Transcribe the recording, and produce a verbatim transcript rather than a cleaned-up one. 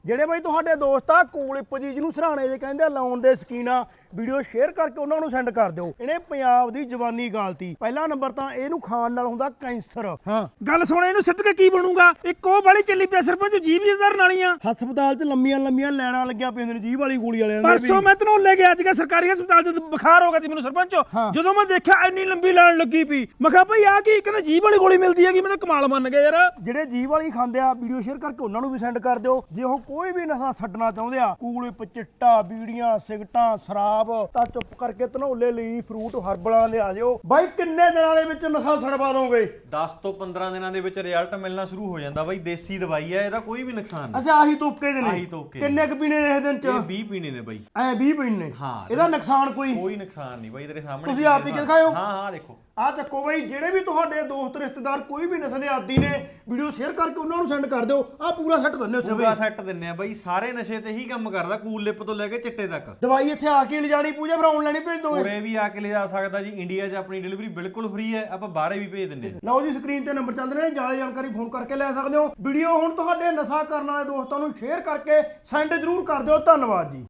ਜਿਹੜੇ ਬਾਈ ਤੁਹਾਡੇ ਦੋਸਤ ਆ ਕੂਲਿਪ ਜੀ ਜਿਹਨੂੰ ਸਰਾਣੇ ਜੇ ਕਹਿੰਦੇ ਆ ਲਾਉਣ ਦੇ ਸ਼ਕੀਨ ਆ ਵੀਡੀਓ ਸ਼ੇਅਰ ਕਰਕੇ ਉਹਨਾਂ ਨੂੰ ਸੈਂਡ ਕਰ ਦਿਓ। ਇਹਨੇ ਪੰਜਾਬ ਦੀ ਜਵਾਨੀ ਗਾਲਤੀ। ਪਹਿਲਾ ਨੰਬਰ ਤਾਂ ਇਹਨੂੰ ਖਾਣ ਨਾਲ ਹੁੰਦਾ ਕੈਂਸਰ। ਹਾਂ ਗੱਲ ਸੁਣ, ਇਹਨੂੰ ਸਿੱਟ ਕੇ ਕੀ ਬਣੂਗਾ? ਇੱਕ ਉਹ ਵਾਲੀ ਚੱਲੀ ਪਿਆ ਸਰਪੰਚ ਜੀਭ ਧਰਨ ਵਾਲੀਆਂ। ਹਸਪਤਾਲ 'ਚ ਲੰਮੀਆਂ ਲੰਮੀਆਂ ਲੈਣਾ ਲੱਗਿਆ ਪੈਂਦੇ ਨੇ ਜੀਭ ਵਾਲੀ ਗੋਲੀ ਵਾਲਿਆਂ ਦੇ। ਪਰਸੋਂ ਮੈਂ ਤੈਨੂੰ ਲੈ ਗਿਆ ਸੀਗਾ ਸਰਕਾਰੀ ਹਸਪਤਾਲ 'ਚ, ਬੁਖਾਰ ਹੋ ਗਿਆ ਸੀ ਮੈਨੂੰ ਸਰਪੰਚ। ਜਦੋਂ ਮੈਂ ਦੇਖਿਆ ਇੰਨੀ ਲੰਬੀ ਲਾਈਨ ਲੱਗੀ ਪਈ, ਮੈਂ ਕਿਹਾ ਭਾਈ ਆ ਕੀ? ਕਹਿੰਦਾ ਜੀਭ ਵਾਲੀ ਗੋਲੀ ਮਿਲਦੀ ਹੈਗੀ। ਮੈਂ ਤਾਂ ਕਮਾਲ ਮੰਨ ਗਿਆ ਯਾਰ। ਜਿਹੜੇ ਜੀਭ ਵਾਲੀ ਖਾਂਦੇ ਆ ਵੀਡੀਓ ਸ਼ੇਅਰ ਕਰਕੇ ਉਹਨਾਂ ਨੂੰ ਵੀ ਸੈਂਡ ਕਰ ਦਿਓ। ਜੇ ਉਹ ਕੋਈ ਵੀ ਨਸ਼ਾ ਛੱਡਣਾ ਚਾਹੁੰਦੇ ਆ, ਕੂਲਿਪ, ਚਿੱਟਾ, ਬੀੜੀਆਂ, ਸਿਗਟਾਂ, ਸ਼ਰਾਬ, ਤਾਂ ਚੁੱਪ ਕਰਕੇ ਧਨੌਲੇ ਲਈ ਫਰੂਟ ਹਰਬਲਾਂ ਦੇ ਆ ਜਾਓ। ਬਾਈ ਕਿੰਨੇ ਦਿਨਾਂ ਦੇ ਵਿੱਚ ਨਸ਼ਾ ਛਡਵਾ ਦੋਗੇ? ਦਸ ਤੋਂ ਪੰਦਰਾਂ ਦਿਨਾਂ ਦੇ ਵਿੱਚ ਰਿਜ਼ਲਟ ਮਿਲਣਾ ਸ਼ੁਰੂ ਹੋ ਜਾਂਦਾ ਬਾਈ। ਦੇਸੀ ਦਵਾਈ ਹੈ, ਇਹਦਾ ਕੋਈ ਵੀ ਨੁਕਸਾਨ ਨਹੀਂ। ਅੱਛਾ ਆਹੀ ਤੁਪਕੇ ਦੇ ਨੇ? ਆਹੀ ਤੁਪਕੇ। ਕਿੰਨੇ ਕੁ ਪੀਣੇ ਨੇ ਇਹ ਦਿਨ ਚ? ਇਹ ਵੀਹ ਪੀਣੇ ਨੇ ਬਾਈ। ਐ ਵੀਹ ਪੀਣੇ ਨੇ? ਹਾਂ। ਇਹਦਾ ਨੁਕਸਾਨ ਕੋਈ? ਕੋਈ ਨੁਕਸਾਨ ਨਹੀਂ ਬਾਈ, ਤੇਰੇ ਸਾਹਮਣੇ ਤੁਸੀਂ ਆਪ ਹੀ ਦਿਖਾਇਓ। ਹਾਂ ਹਾਂ ਦੇਖੋ ਆ ਚੱਕੋ ਬਾਈ, ਜਿਹੜੇ ਵੀ ਤੁਹਾਡੇ ਦੋਸਤ ਰਿਸ਼ਤੇਦਾਰ ਕੋਈ ਵੀ ਨਸ਼ੇ ਦੇ ਆਦੀ ਨੇ ਵੀਡੀਓ ਸ਼ੇਅਰ ਕਰਕੇ ਉਹਨਾਂ ਨੂੰ ਸੈਂਡ ਕਰ ਦਿਓ। ਆ ਪੂਰਾ ਸੈੱਟ ਦਿੰਦੇ ਉੱਥੇ ਪੂਰਾ ਸੈੱਟ ਦਿੰਨੇ ਆ ਬਾਈ। ਸਾਰੇ ਨਸ਼ੇ ਤੇ ਹੀ ਕੰਮ ਕਰਦਾ, ਕੂਲਿਪ ਤੋਂ ਲੈ ਕੇ ਚਿੱਟੇ ਤੱਕ। ਦਵਾਈ ਇੱਥੇ ਆ ਕੇ ਲਿਜਾਣੀ ਪੂਜਾ, ਫਿਰ ਆਨਲਾਈਨ ਹੀ ਭੇਜ ਦੋਗੇ? ਉਰੇ ਵੀ ਆ ਕੇ ਲਿਜਾ ਸਕਦਾ ਜੀ। ਇੰਡੀਆ 'ਚ ਆਪਣੀ ਡਿਲੀਵਰੀ ਬਿਲਕੁਲ ਫ੍ਰੀ ਹੈ, ਆਪਾਂ ਬਾਹਰੇ ਵੀ ਭੇਜ ਦਿੰਦੇ ਹਾਂ। ਲਓ ਜੀ, ਸਕਰੀਨ ਤੇ ਨੰਬਰ ਚੱਲ ਰਹੇ ਨੇ, ਜ਼ਿਆਦਾ ਜਾਣਕਾਰੀ ਫੋਨ ਕਰਕੇ ਲੈ ਸਕਦੇ ਹੋ। ਵੀਡੀਓ ਹੁਣ ਤੁਹਾਡੇ ਨਸ਼ਾ ਕਰਨ ਵਾਲੇ ਦੋਸਤਾਂ ਨੂੰ ਸ਼ੇਅਰ ਕਰਕੇ ਸੈਂਡ ਜ਼ਰੂਰ ਕਰ ਦਿਓ। ਧੰਨਵਾਦ ਜੀ।